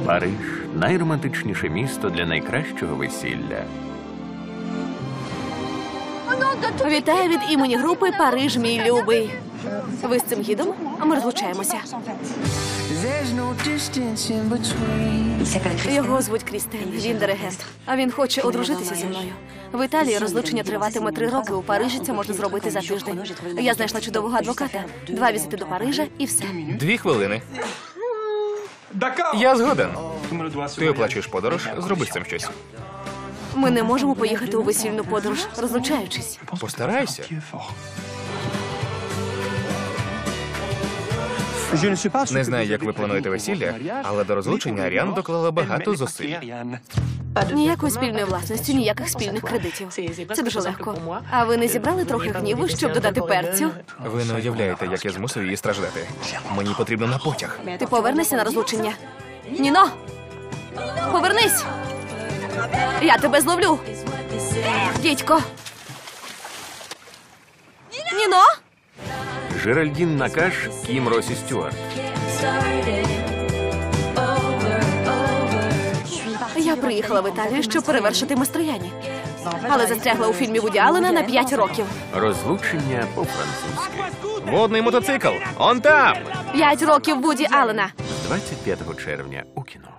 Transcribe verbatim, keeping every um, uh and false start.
Париж – найромантичніше місто для найкращого весілля. Вітаю від імені групи «Париж, мій любий». Ви з цим гідом? А ми розлучаємося. Його звуть Крістен, він диригент. А він хоче одружитися зі мною. В Італії розлучення триватиме три роки, у Парижі це можна зробити за тиждень. Я знайшла чудового адвоката. Два візити до Парижа і все. Дві хвилини. Я згоден. Ти оплачуєш подорож, зроби з цим щось. Ми не можемо поїхати у весільну подорож, розлучаючись. Постарайся. Не знаю, як ви плануєте весілля, але до розлучення Аріан доклала багато зусиль. Ніякої спільної власності, ніяких спільних кредитів. Це дуже легко. А ви не зібрали трохи гніву, щоб додати перцю? Ви не уявляєте, як я змусив її страждати. Мені потрібно на потяг. Ти повернешся на розлучення? Ніно! Повернись! Я тебе зловлю! Дідько! Ніно! Жеральдін Накаш, Кім Росі Стюарт. Я приїхала в Італію, щоб перевершити Мастрояні. Але застрягла у фільмі Вуді Аллена на п'ять років. Розлучення по-французьки. Водний мотоцикл! Он там! П'ять років Вуді Аллена. З двадцять п'ятого червня у кіно.